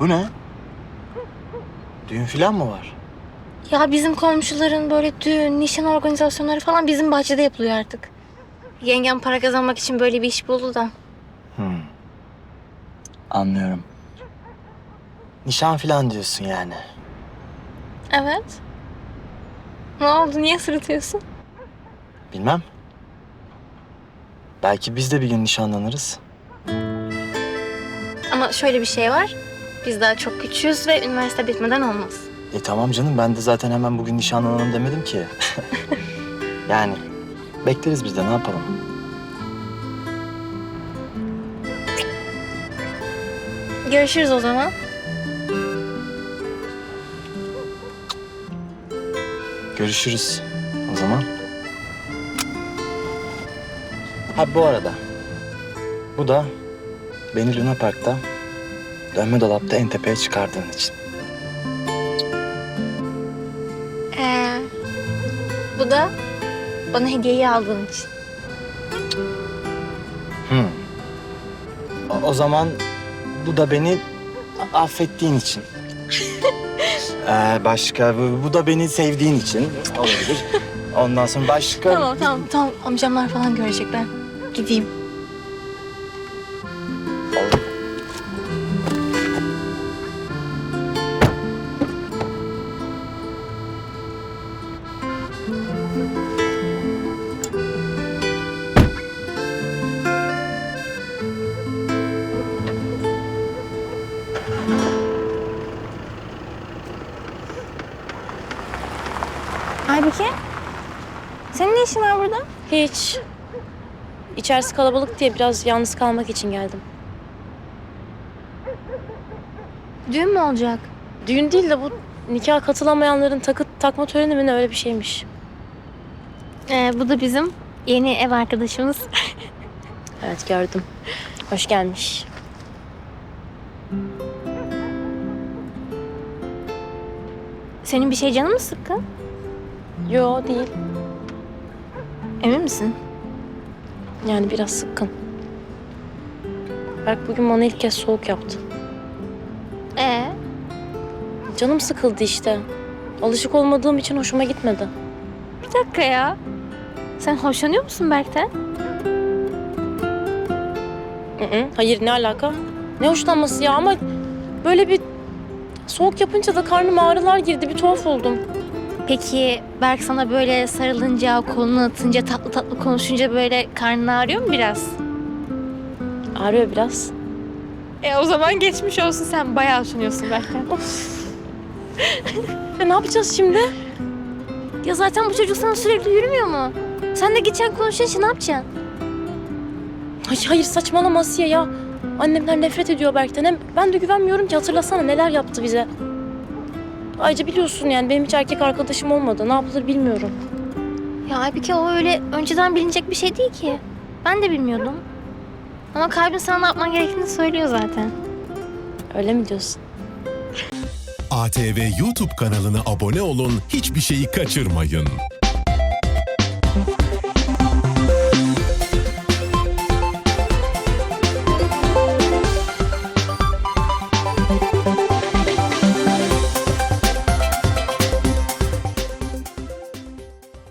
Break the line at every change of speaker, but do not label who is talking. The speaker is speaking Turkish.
Bu ne? Düğün falan mı var?
Ya bizim komşuların böyle düğün, nişan organizasyonları falan bizim bahçede yapılıyor artık. Yengem para kazanmak için böyle bir iş buldu da.
Anlıyorum. Nişan falan diyorsun yani.
Evet. Ne oldu? Niye sırıtıyorsun?
Bilmem. Belki biz de bir gün nişanlanırız.
Ama şöyle bir şey var. Biz daha çok küçüğüz ve üniversite bitmeden olmaz.
Tamam canım, ben de zaten hemen bugün nişanlanalım demedim ki. Yani bekleriz biz de, ne yapalım?
Görüşürüz o zaman.
Görüşürüz o zaman. Ha bu arada. Bu da beni Luna Park'ta dönme dolapta en tepeye çıkardığın için.
Bu da bana hediyeyi aldığın için.
O zaman bu da beni affettiğin için. Başka bu da beni sevdiğin için olabilir. Ondan sonra başka...
Tamam. Amcamlar falan görecek, ben gideyim. Aybike, senin ne işin var burada?
Hiç. İçerisi kalabalık diye biraz yalnız kalmak için geldim.
Düğün mü olacak?
Düğün değil de bu nikah katılamayanların takma töreni mi ne, öyle bir şeymiş.
Bu da bizim yeni ev arkadaşımız.
Evet, gördüm. Hoş gelmiş.
Senin bir şey canın mı sıkkın?
Yo, değil.
Emin misin?
Yani biraz sıkkın. Berk bugün bana ilk kez soğuk yaptı. Canım sıkıldı işte. Alışık olmadığım için hoşuma gitmedi.
Bir dakika ya. Sen hoşlanıyor musun Berk'ten?
Hayır, ne alaka? Ne hoşlanması ya, ama böyle bir soğuk yapınca da karnıma ağrılar girdi. Bir tuhaf oldum.
Peki Berk sana böyle sarılınca, kolunu atınca, tatlı tatlı konuşunca böyle karnın ağrıyor mu biraz?
Ağrıyor biraz.
O zaman geçmiş olsun, sen bayağı hoşlanıyorsun Berk'ten.
Ne yapacağız şimdi?
Ya zaten bu çocuk sana sürekli yürümüyor mu? Sen de geçen konuşunca ne yapacaksın?
Hayır, saçmalama Asiye ya. Annemler nefret ediyor Berk'ten. Hem ben de güvenmiyorum ki, hatırlasana neler yaptı bize. Ayrıca biliyorsun yani benim hiç erkek arkadaşım olmadı. Ne yapılır bilmiyorum.
Ya Aybike, o öyle önceden bilinecek bir şey değil ki. Ben de bilmiyordum. Ama kalbin sana ne yapman gerektiğini söylüyor zaten.
Öyle mi diyorsun?
ATV YouTube kanalına abone olun, hiçbir şeyi kaçırmayın.